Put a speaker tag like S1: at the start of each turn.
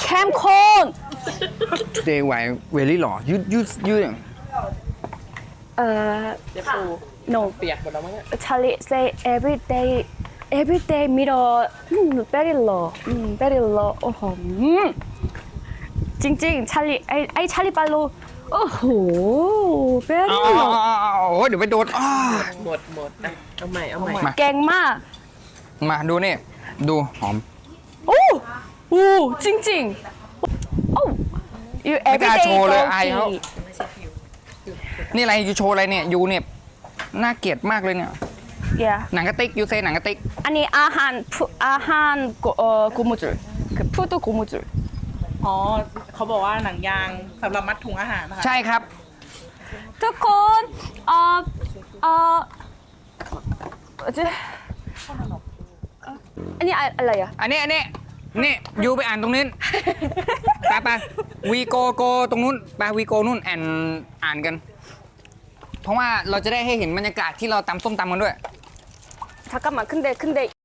S1: 캠콘
S2: Today why very หล่อ you
S1: เดี๋ยวปู no
S3: เปียกหมดแล้วมั้งเนี่ย
S1: Charlie say every day mirror very low very low โอ้โหจริงๆ Charlie ไอ้ Charlie ปาลูโอ้โห very
S2: อ๋อ
S1: low
S2: โอ้เดี๋ยวไปโดนอ้อ
S3: หมดอ่ะเอาใหม่
S2: มา
S1: เก่งมาก
S2: มาดูนี่ ดูหอม
S1: โอ้โหจริงๆโอ้ you
S2: ไม่กล้า
S1: everyday
S2: โชว์เลยอายเขา
S1: go
S2: นี่อะไรยูโชว์อะไรเนี่ยยูเนี่ยน่าเกลียดมากเลยเนี่ย
S1: yeah
S2: หนังกระติกยูเซหนังกระติก
S1: อันนี้อาหาร고무줄 그 푸드 고무줄
S4: อ๋อเขาบอกว่าหนังยางสำหรับมัดถุงอาหารนะคะ
S2: ใช่ครับ
S1: ทุกคนอันนี้อะไรอ่ะ
S2: อันนี้นี่ยูไปอ่านตรงนี้ ไปวีโกตรงนู้นไปวีโกนู่นอ่านกัน เพราะว่าเราจะได้ให้เห็นบรรยากาศที่เราตำส้มตำกันด้วย
S1: 잠깐만 근데